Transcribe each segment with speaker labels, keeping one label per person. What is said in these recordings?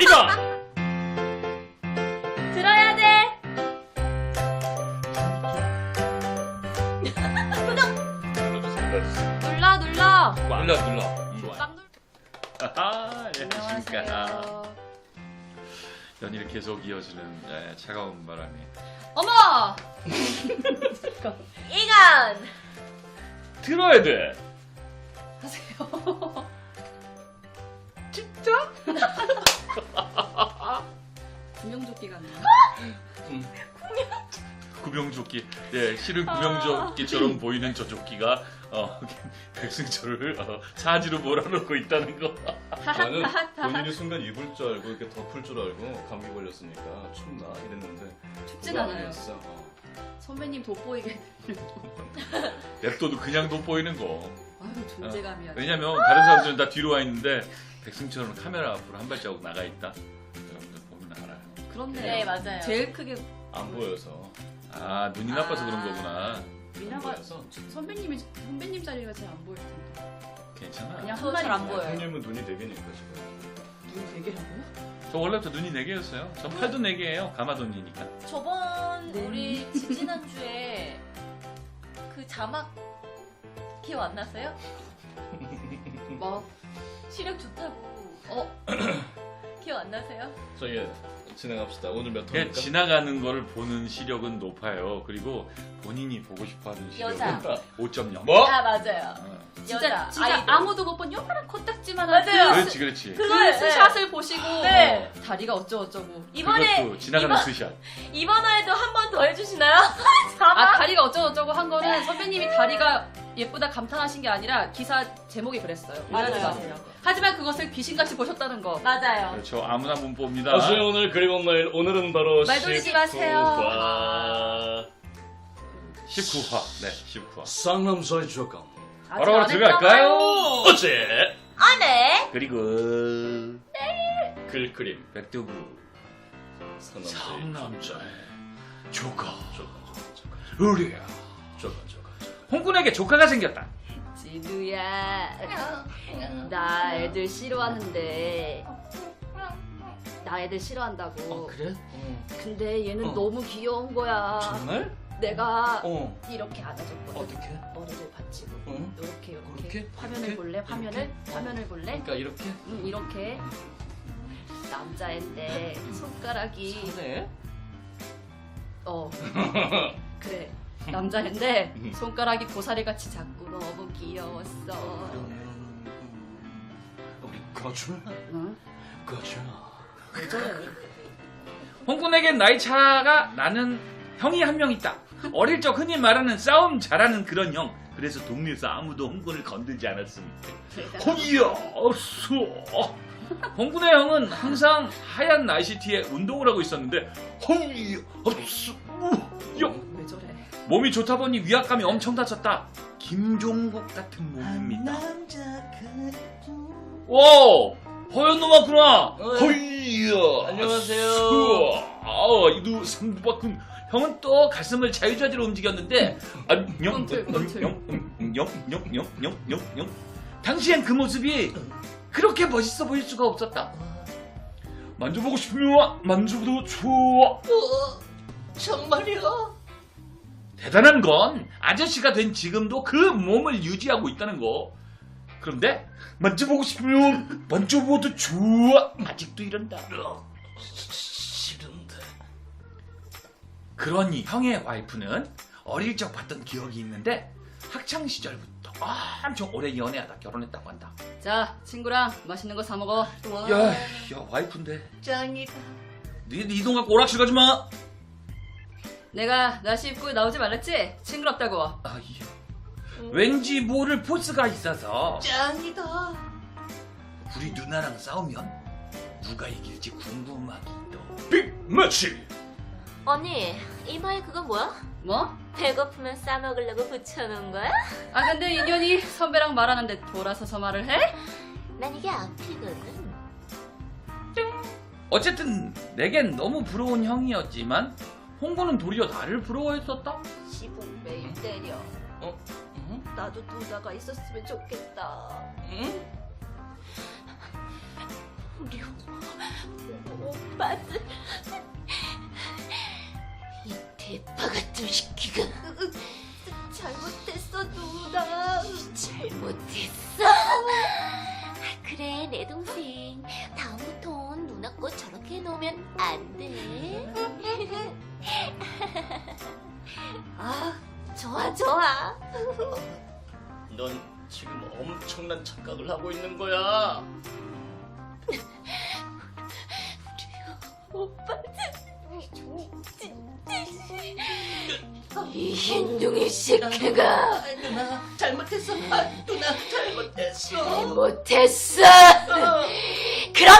Speaker 1: 어디가?
Speaker 2: 들어야 돼.
Speaker 1: 눌러주세요.
Speaker 2: 눌러.
Speaker 1: 눌러.
Speaker 2: 꽉 눌러.
Speaker 1: 아하, 예, 안녕하십니까.
Speaker 2: 안녕하세요.
Speaker 1: 연일 계속 이어지는 차가운 바람이.
Speaker 2: 어머! 이건
Speaker 1: 들어야 돼.
Speaker 2: 하세요.
Speaker 1: 진짜?
Speaker 2: 구명조끼 같네요.
Speaker 1: 구명조끼. 예, 실은 구명조끼처럼 보이는 저 조끼가 백승철을 사지로 몰아넣고 있다는 거.
Speaker 3: 저는 본인이 순간 입을 줄 알고 이렇게 덮을 줄 알고 감기 걸렸으니까 춥나 이랬는데
Speaker 2: 춥진
Speaker 3: 그거
Speaker 2: 않아요.
Speaker 3: 아니었어.
Speaker 2: 선배님 돋보이게.
Speaker 1: 냅둬도 그냥 돋보이는 거.
Speaker 2: 아유 존재감이야.
Speaker 1: 왜냐면 다른 사람들은 다 뒤로 와 있는데 백승철은 카메라 앞으로 한 발자국 나가 있다. 여러분들 보면 알아요.
Speaker 2: 그렇네.
Speaker 4: 네, 맞아요.
Speaker 2: 제일 크게
Speaker 3: 안 보여서.
Speaker 1: 아, 눈이 나빠서 그런 거구나.
Speaker 3: 안
Speaker 2: 미나가
Speaker 3: 보여서.
Speaker 2: 선배님 자리가 잘 안 보일 텐데.
Speaker 1: 괜찮아.
Speaker 2: 그냥
Speaker 4: 저 잘 안
Speaker 2: 보여.
Speaker 4: 보여요.
Speaker 3: 형님은 눈이 4개니까 지금.
Speaker 2: 눈이 되게라고요?
Speaker 1: 저 원래부터 눈이 4개였어요. 전 팔도 4개예요. 가마돈이니까.
Speaker 4: 저번
Speaker 2: 네.
Speaker 4: 우리 지지난주에 그 자막 기억 안 나세요?
Speaker 2: 뭐?
Speaker 4: 시력 좋다고. 기억 안 나세요?
Speaker 3: 저희 진행합시다. 오늘 몇
Speaker 1: 그냥
Speaker 3: 회입니까?
Speaker 1: 지나가는 거를 보는 시력은 높아요. 그리고 본인이 보고 싶어하는 시력은
Speaker 4: 여자.
Speaker 1: 5.0.
Speaker 3: 뭐?
Speaker 4: 아, 맞아요.
Speaker 2: 진짜
Speaker 4: 여자,
Speaker 2: 진짜
Speaker 4: 아이돌.
Speaker 2: 아무도 못 본 요만한 코딱지만
Speaker 4: 맞아요.
Speaker 1: 그렇지.
Speaker 4: 그걸,
Speaker 2: 스샷을 보시고
Speaker 4: 네.
Speaker 2: 다리가 어쩌고저쩌고.
Speaker 4: 이번에
Speaker 1: 그것도 지나가는 스샷.
Speaker 4: 이번 화에도 한 번 더 해주시나요?
Speaker 2: 아
Speaker 4: 자막.
Speaker 2: 다리가 어쩌고저쩌고 한 거는 선배님이 다리가 예쁘다 감탄하신 게 아니라 기사 제목이 그랬어요.
Speaker 4: 맞아요.
Speaker 2: 오해하지 마세요. 하지만 그것을 귀신같이 보셨다는 거.
Speaker 4: 맞아요.
Speaker 1: 그렇죠. 아무나 문법입니다.
Speaker 3: 다시 오늘 그리고 말 오늘은 바로
Speaker 2: 말 돌리지 마세요.
Speaker 1: 19화. 네, 19화.
Speaker 3: 쌍남자의 조감.
Speaker 2: 아직
Speaker 1: 바로
Speaker 2: 안
Speaker 1: 들어갈까요?
Speaker 2: 했잖아요.
Speaker 3: 어제
Speaker 4: 아, 네.
Speaker 1: 그리고
Speaker 3: 글그림
Speaker 1: 백두부 상남자의 조카 우리야
Speaker 3: 조감.
Speaker 1: 홍군에게 조카가 생겼다.
Speaker 2: 진우야, 나 애들 싫어하는데. 나 애들 싫어한다고.
Speaker 3: 그래?
Speaker 2: 근데 얘는
Speaker 3: 어.
Speaker 2: 너무 귀여운 거야.
Speaker 3: 정말?
Speaker 2: 내가
Speaker 3: 어.
Speaker 2: 이렇게 안아줬거든.
Speaker 3: 어떻게?
Speaker 2: 머리를 받치고
Speaker 3: 응?
Speaker 2: 이렇게
Speaker 3: 그렇게?
Speaker 2: 화면을
Speaker 3: 이렇게?
Speaker 2: 볼래? 화면을?
Speaker 3: 이렇게?
Speaker 2: 화면을 볼래?
Speaker 3: 그러니까 이렇게?
Speaker 2: 응, 이렇게 남자애인데 손가락이
Speaker 3: 네.
Speaker 2: 그래 남자애인데 손가락이 고사리같이 작고 너무 귀여웠어.
Speaker 3: 우리 거주?
Speaker 2: 응?
Speaker 3: 거주.
Speaker 2: 왜 저래?
Speaker 1: 홍군에겐 나이 차가 나는 형이 한 명 있다. 어릴 적 흔히 말하는 싸움 잘하는 그런 형. 그래서 동네에서 아무도 홍군을 건들지 않았습니다. 거기야 없어. 홍군의 형은 항상 하얀 나이시티에 운동을 하고 있었는데 거기 없어.
Speaker 2: 왜 저래?
Speaker 1: 몸이 좋다 보니 위압감이 엄청 다쳤다. 김종국 같은 몸입니다. 오! 허연 놈 왔구나. 허이야.
Speaker 3: 안녕하세요.
Speaker 1: 이두 삼두박근 형은 또 가슴을 자유자재로 움직였는데 안녕. 당시엔 그 모습이 그렇게 멋있어 보일 수가 없었다. 만져보고 싶으면 만져도 좋아.
Speaker 4: 정말요?
Speaker 1: 대단한 건 아저씨가 된 지금도 그 몸을 유지하고 있다는 거. 그런데 만져보고 싶으면 만져봐도 좋아. 아직도 이런다.
Speaker 3: 싫은데.
Speaker 1: 그러니 형의 와이프는 어릴 적 봤던 기억이 있는데 학창 시절부터 엄청 오래 연애하다 결혼했다고 한다.
Speaker 2: 자 친구랑 맛있는 거 사 먹어.
Speaker 1: 야 와이프인데.
Speaker 4: 짱이다.
Speaker 1: 네 돈 갖고 오락실 가지 마.
Speaker 2: 내가 나시 입고 나오지 말랬지? 징그럽다고.
Speaker 1: 왠지 모를 포스가 있어서
Speaker 4: 짱이다.
Speaker 1: 우리 누나랑 싸우면 누가 이길지 궁금하기도.
Speaker 3: 빅매치.
Speaker 4: 언니, 이마에 그거 뭐야?
Speaker 2: 뭐?
Speaker 4: 배고프면 싸먹으려고 붙여놓은 거야?
Speaker 2: 아 근데 인연이 선배랑 말하는데 돌아서서 말을 해?
Speaker 4: 난 이게 앞이거든.
Speaker 1: 어쨌든 내겐 너무 부러운 형이었지만 홍구는 도리어 나를 부러워했었다.
Speaker 4: 집은 매일 때려. 나도 누나가 있었으면 좋겠다.
Speaker 3: 응?
Speaker 4: 우리 오빠들. 이 대파 같은 시키가. 잘못했어 누나. 잘못했어. 그래 내 동생. 다음부턴 누나 거 저렇게 해놓으면 안 돼. 아 좋아 좋아.
Speaker 3: 넌 지금 엄청난 착각을 하고 있는 거야.
Speaker 4: 이 흰둥이 새끼가.
Speaker 5: 누나 잘못했어. 누나 잘못했어.
Speaker 4: 잘못했어. 그런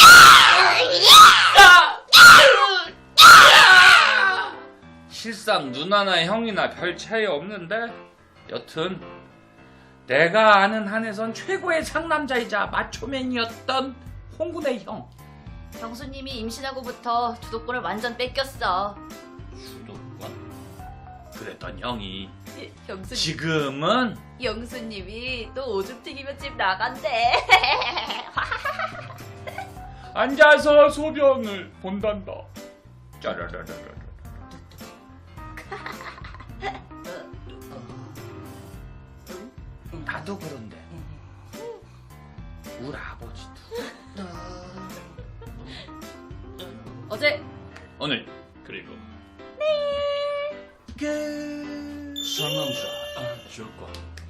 Speaker 1: 실상 누나나 형이나 별 차이 없는데 여튼 내가 아는 한에선 최고의 상남자이자 마초맨이었던 홍군의 형.
Speaker 2: 경수님이 임신하고부터 주도권을 완전 뺏겼어.
Speaker 1: 주도권? 그랬던 형이
Speaker 2: 경수님,
Speaker 1: 지금은
Speaker 2: 영수님이 또 오줌 튀기면집 나간대.
Speaker 1: 앉아서 소변을 본단다. 짜라라라라. 나도 그런데 우리 아버지도
Speaker 2: 어제
Speaker 1: 오늘
Speaker 3: 그리고
Speaker 1: 그
Speaker 3: 상남자 조건.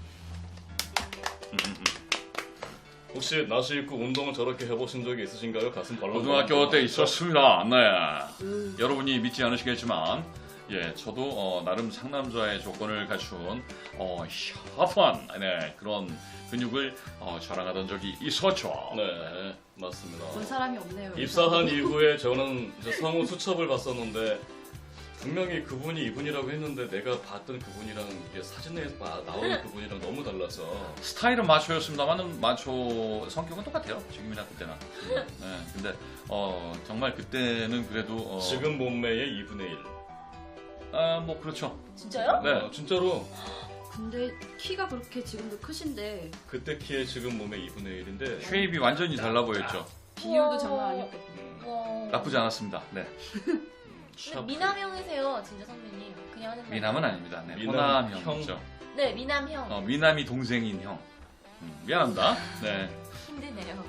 Speaker 3: 혹시 나시 입고 운동을 저렇게 해보신 적이 있으신가요? 가슴 발라.
Speaker 1: 고등학교 때 있었습니다. 네. 여러분이 믿지 않으시겠지만, 예, 저도 나름 상남자의 조건을 갖춘 샤프한 그런 근육을 자랑하던 적이 있었죠.
Speaker 3: 네, 맞습니다.
Speaker 2: 본 사람이 없네요.
Speaker 3: 입사한 이후에 저는 이제 성우 수첩을 봤었는데 분명히 그분이 이분이라고 했는데 내가 봤던 그분이랑 이게 사진에 나오는 그분이랑 너무 달라서
Speaker 1: 스타일은 마초였습니다만 마초 성격은 똑같아요. 지금이나 그때나. 네, 근데 정말 그때는 그래도
Speaker 3: 지금 몸매의 2분의 1.
Speaker 1: 뭐 그렇죠.
Speaker 2: 진짜요?
Speaker 1: 네.
Speaker 3: 진짜로
Speaker 2: 근데 키가 그렇게 지금도 크신데
Speaker 3: 그때 키에 지금 몸의 2분의 1인데
Speaker 1: 쉐입이 완전히 달라 보였죠.
Speaker 2: 비율도 장난 아니었겠고.
Speaker 1: 나쁘지 않았습니다. 네.
Speaker 4: 미남형이세요 진짜 선배님. 그냥 하는 말.
Speaker 1: 미남은 아닙니다. 네.
Speaker 3: 미남
Speaker 1: 호남
Speaker 3: 형.
Speaker 1: 형이죠.
Speaker 4: 네 미남형.
Speaker 1: 미남이 동생인 형. 미안합니다. 네.
Speaker 4: 힘드네요.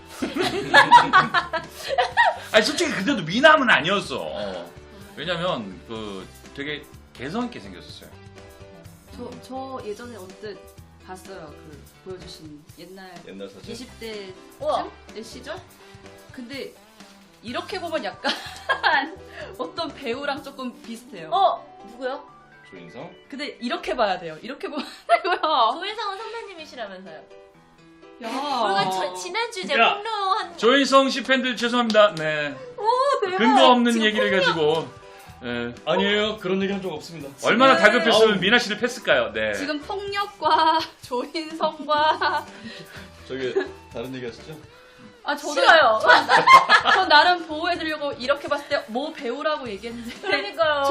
Speaker 1: 아니 솔직히 그때도 미남은 아니었어. 왜냐면 그 되게 개성 있게 생겼었어요.
Speaker 2: 저 예전에 언뜻 봤어요. 그 보여주신 옛날
Speaker 3: 사진.
Speaker 2: 20대
Speaker 4: 우와.
Speaker 2: 때 시절? 근데 이렇게 보면 약간 어떤 배우랑 조금 비슷해요.
Speaker 4: 누구요?
Speaker 3: 조인성?
Speaker 2: 근데 이렇게 봐야 돼요. 이렇게 보면 되고요.
Speaker 4: 조인성은 선배님이시라면서요.
Speaker 2: 야.
Speaker 4: 우리가 지난주 제
Speaker 1: 야.
Speaker 4: 폭로한.
Speaker 1: 조인성 씨 팬들 죄송합니다. 네.
Speaker 2: 대박.
Speaker 1: 근거 없는
Speaker 2: 지금
Speaker 1: 얘기를 가지고 네.
Speaker 3: 아니에요. 그런 얘기 한 적 없습니다.
Speaker 1: 얼마나 다급했으면
Speaker 3: 아우.
Speaker 1: 미나 씨를 팼을까요? 네.
Speaker 2: 지금 폭력과 조인성과
Speaker 3: 저기 다른 얘기 하시죠?
Speaker 2: 저도
Speaker 4: 싫어요.
Speaker 2: 전 나름 보호해드리려고 이렇게 봤을 때 뭐 배우라고 얘기했는데
Speaker 4: 그러니까요.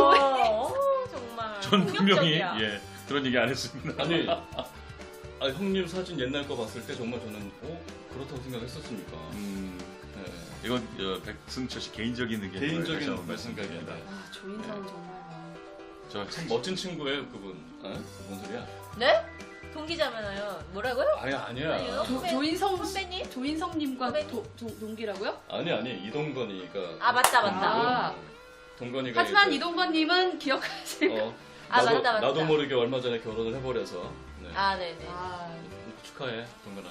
Speaker 4: 정말.
Speaker 1: 전 분명히
Speaker 4: 폭력적이야.
Speaker 1: 그런 얘기 안 했습니다.
Speaker 3: 아니, 형님 사진 옛날 거 봤을 때 정말 저는 그렇다고 생각했었으니까. 네.
Speaker 1: 이건 백승철 씨 개인적인 의견
Speaker 3: 개인적인
Speaker 1: 말씀드립니다.
Speaker 3: 생각입니다.
Speaker 2: 조인성은 정말
Speaker 1: 저
Speaker 3: 참 멋진 친구예요, 그분. 뭔 소리야?
Speaker 4: 네? 동기자매나요. 뭐라고요?
Speaker 3: 아니야.
Speaker 4: 아니요.
Speaker 2: 조인성
Speaker 4: 선배님?
Speaker 2: 조인성님과
Speaker 4: 선배님?
Speaker 2: 동기라고요?
Speaker 3: 아니 이동건이가.
Speaker 4: 아 맞다.
Speaker 2: 아.
Speaker 3: 동건이가.
Speaker 2: 하지만
Speaker 3: 이제,
Speaker 2: 이동건님은 기억하세요.
Speaker 4: 맞다.
Speaker 3: 나도 모르게 얼마 전에 결혼을 해버려서. 네.
Speaker 4: 아 네네.
Speaker 3: 축하해, 동건아.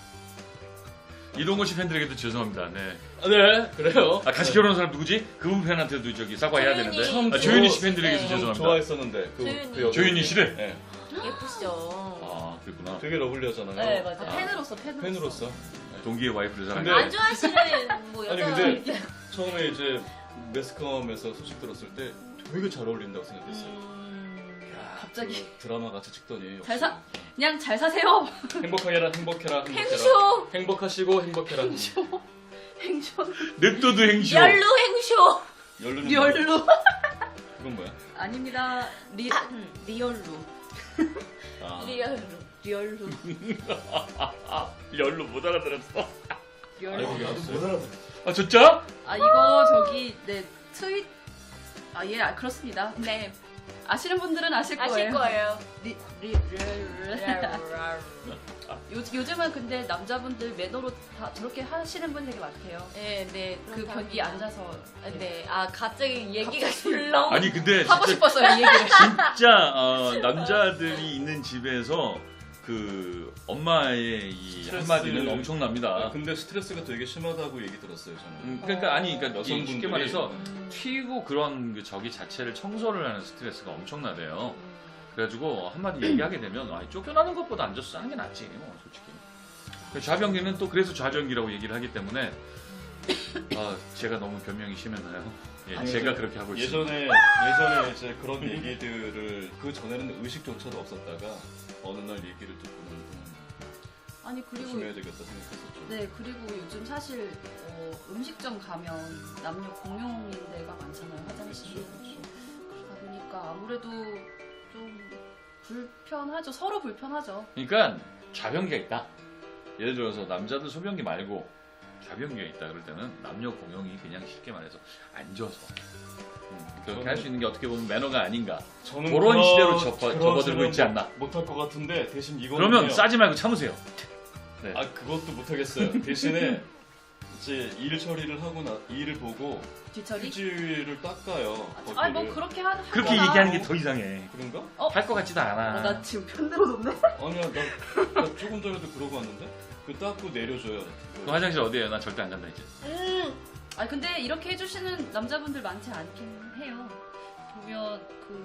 Speaker 1: 이동건 씨 팬들에게도 죄송합니다. 네.
Speaker 3: 네, 그래요.
Speaker 1: 같이 결혼한 사람 누구지? 그분 팬한테도 저기 사과해야
Speaker 4: 조윤희.
Speaker 1: 되는데. 조윤희 씨 팬들에게도
Speaker 4: 네.
Speaker 1: 죄송합니다.
Speaker 3: 좋아했었는데.
Speaker 4: 조윤희.
Speaker 3: 여자.
Speaker 1: 조윤희 씨를?
Speaker 3: 네.
Speaker 4: 예쁘시죠.
Speaker 1: 아 그랬구나.
Speaker 3: 되게 러블리하잖아요.
Speaker 4: 네 맞아요.
Speaker 3: 팬으로서.
Speaker 1: 동기의 와이프를
Speaker 3: 근데-
Speaker 1: 사랑해.
Speaker 4: 안 좋아하시는 뭐
Speaker 3: 아니
Speaker 4: 여자.
Speaker 3: 근데 처음에 이제 매스컴에서 소식 들었을 때 되게 잘 어울린다고 생각했어요. 야,
Speaker 2: 갑자기.
Speaker 3: 그 드라마 같이 찍더니
Speaker 2: 잘 사- 그냥 잘 사세요.
Speaker 3: 행복해라.
Speaker 4: 행쇼.
Speaker 3: 행복하시고 행복해라.
Speaker 2: 행쇼.
Speaker 1: 냅둬도 행쇼.
Speaker 4: 열루 행쇼.
Speaker 3: 열루는
Speaker 2: 리얼로.
Speaker 3: 그건 뭐야?
Speaker 2: 아닙니다. 리얼로.
Speaker 3: 아,
Speaker 4: 리얼루.
Speaker 2: 리얼로.
Speaker 1: 열로 못 알아들었어.
Speaker 3: 아이고 나도 못 알아듣.
Speaker 1: 아 진짜?
Speaker 2: 아 이거 저기 네 트윗 예 그렇습니다. 네 아시는 분들은 아실 거예요.
Speaker 4: 아실 거예요.
Speaker 2: 요즘은 근데 남자분들 매너로 다 저렇게 하시는 분 되게 많대요.
Speaker 4: 네, 네.
Speaker 2: 그 변기 앉아서
Speaker 4: 네. 아, 갑자기 얘기가 술렁.
Speaker 1: 아니 근데
Speaker 2: 하고
Speaker 1: 진짜,
Speaker 2: 싶었어요 이 얘기를.
Speaker 1: 진짜 남자들이 있는 집에서 그 엄마의 이
Speaker 3: 스트레스-
Speaker 1: 한마디는 엄청납니다.
Speaker 3: 근데 스트레스가 되게 심하다고 얘기 들었어요 저는.
Speaker 1: 그러니까 아니 그러니까
Speaker 3: 여성분들이
Speaker 1: 쉽게 말해서 튀고 그런 그 저기 자체를 청소를 하는 스트레스가 엄청나대요. 그래가지고 한마디 얘기하게 되면 쫓겨나는 것보다 앉아서 하는 게 낫지 솔직히. 좌변기는 또 그래서 좌변기라고 얘기를 하기 때문에 제가 너무 변명이 심했나요? 예,
Speaker 3: 아니,
Speaker 1: 제가 그렇게 하고 있습니다.
Speaker 3: 예전에 이제 그런 얘기들을 그 전에는 의식조차도 없었다가 어느 날 얘기를 듣고는
Speaker 2: 아니 그리고
Speaker 3: 조심해야 되겠다 생각했었죠.
Speaker 2: 네 그리고 요즘 사실 음식점 가면 남녀 공용인 데가 많잖아요 화장실이. 그러다 보니까 아무래도 좀 불편하죠. 서로 불편하죠.
Speaker 1: 그러니까 좌변기가 있다. 예를 들어서 남자들 소변기 말고 좌변기가 있다 그럴 때는 남녀 공용이 그냥 쉽게 말해서 앉아서 그렇게 할 수 있는 게 어떻게 보면 매너가 아닌가.
Speaker 3: 저는
Speaker 1: 그런 시대로
Speaker 3: 그런
Speaker 1: 접어들고 있지 않나.
Speaker 3: 못할 것 같은데 대신 이거는
Speaker 1: 그러면 싸지 말고 참으세요. 네.
Speaker 3: 그것도 못하겠어요. 대신에 이제 일 처리를 하고 일을 보고
Speaker 2: 뒤처리?
Speaker 3: 휴지를 닦아요.
Speaker 2: 아니 뭐
Speaker 3: 거기를.
Speaker 2: 그렇게
Speaker 1: 그렇게
Speaker 2: 하거나.
Speaker 1: 얘기하는 게 더 이상해.
Speaker 3: 그런가?
Speaker 1: 할 것 같지도 않아.
Speaker 2: 나 지금 편들어졌네.
Speaker 3: 아니야 나 조금 전에도 그러고 왔는데 그 닦고 내려줘요.
Speaker 1: 그 화장실 어디에요? 나 절대 안 간다 이제.
Speaker 2: 아니 근데 이렇게 해주시는 남자분들 많지 않긴 해요. 보면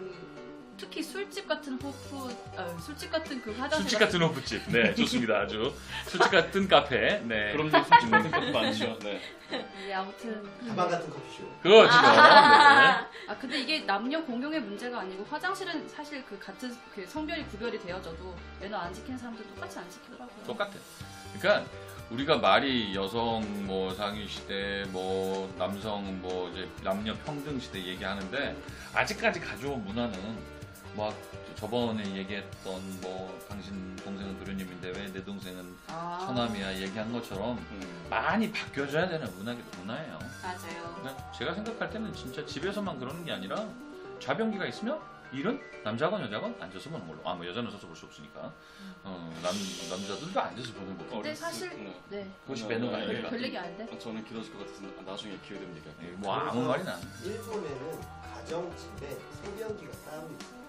Speaker 2: 특히 술집 같은 술집 같은 그 화장실.
Speaker 1: 술집 같은 호프집. 네, 좋습니다. 아주 술집 같은 카페. 네.
Speaker 3: 그럼요, 솔직히 같은 것도 많죠. 네.
Speaker 2: 네, 아무튼.
Speaker 5: 가방 같은 커피숍.
Speaker 1: 그거 지금. 네.
Speaker 2: 근데 이게 남녀 공용의 문제가 아니고 화장실은 사실 그 같은 그 성별이 구별이 되어져도 매너 안 지키는 사람들 똑같이 안 지키더라고요.
Speaker 1: 똑같아. 그러니까 우리가 말이 여성 뭐 상위 시대 뭐 남성 뭐 이제 남녀 평등 시대 얘기하는데 아직까지 가져온 문화는 막 저번에 얘기했던 뭐 당신 동생은 도련님인데 왜 내 동생은 처남이야 얘기한 것처럼 많이 바뀌어져야 되는 문화예요.
Speaker 2: 맞아요.
Speaker 1: 그러니까 제가 생각할 때는 진짜 집에서만 그러는 게 아니라 좌변기가 있으면 일은 남자건 여자건 앉아서 보는 걸로. 뭐 여자는 서서 볼 수 없으니까. 남자들도 앉아서 보는 거고.
Speaker 2: 근데 사실 네.
Speaker 1: 그것이 매너가 아닐까.
Speaker 2: 별 얘기 아닌데.
Speaker 3: 저는 길어질 것 같아서 나중에 기회 되면 얘기할게요.
Speaker 1: 뭐 아무 말이나.
Speaker 5: 일본에는 가정집에 소변기가 따로 있어요.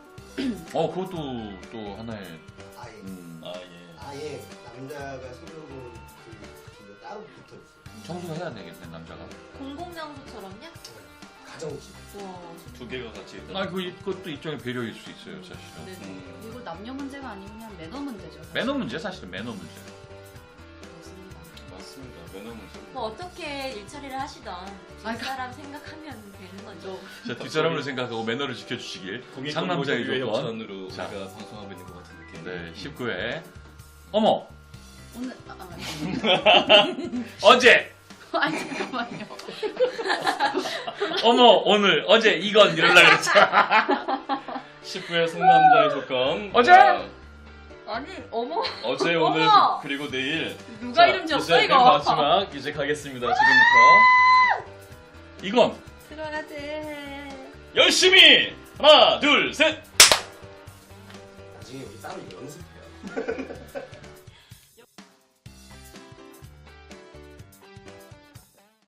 Speaker 1: 그것도 또 하나의
Speaker 5: 아예
Speaker 3: 예.
Speaker 5: 아예 남자가 소변을 그 따로 붙어 있어요.
Speaker 1: 청소해야 되겠네 남자가.
Speaker 4: 공공장소처럼요?
Speaker 5: 가정집.
Speaker 4: 와.
Speaker 3: 두 개가 같이 있다.
Speaker 1: 그것도 일종의 배려일 수 있어요 사실은.
Speaker 2: 네. 이거 남녀 문제가 아니고 그냥 매너 문제죠. 사실.
Speaker 1: 매너 문제 사실은 매너 문제.
Speaker 2: 그렇습니다.
Speaker 3: 맞습니다. 매너 문제.
Speaker 4: 뭐 어떻게 일처리를 하시던 뒷사람 생각하면 되는 거죠.
Speaker 1: 자 뒷사람을 생각하고 매너를 지켜주시길. 상남자의
Speaker 3: 공익
Speaker 1: 조건.
Speaker 3: 협찬으로
Speaker 1: 자.
Speaker 3: 제가 방송하고 있는 것 같은 느낌.
Speaker 1: 네 19회. 어머
Speaker 2: 오늘
Speaker 1: 어제.
Speaker 2: 아니 잠깐만요.
Speaker 1: 어머 오늘 어제 이건 이럴라 그랬잖아.
Speaker 3: 19회 상남자의 조건.
Speaker 1: 어제?
Speaker 2: 아니 어머
Speaker 3: 어제 오늘
Speaker 2: 어머!
Speaker 3: 그리고 내일.
Speaker 2: 누가 이름 지었어
Speaker 3: 이제
Speaker 2: 이거?
Speaker 3: 맨 마지막 이제 가겠습니다. 지금부터
Speaker 1: 이건
Speaker 2: 들어가지.
Speaker 3: 열심히 하나 둘 셋.
Speaker 5: 나중에 우리 따로 연습해요.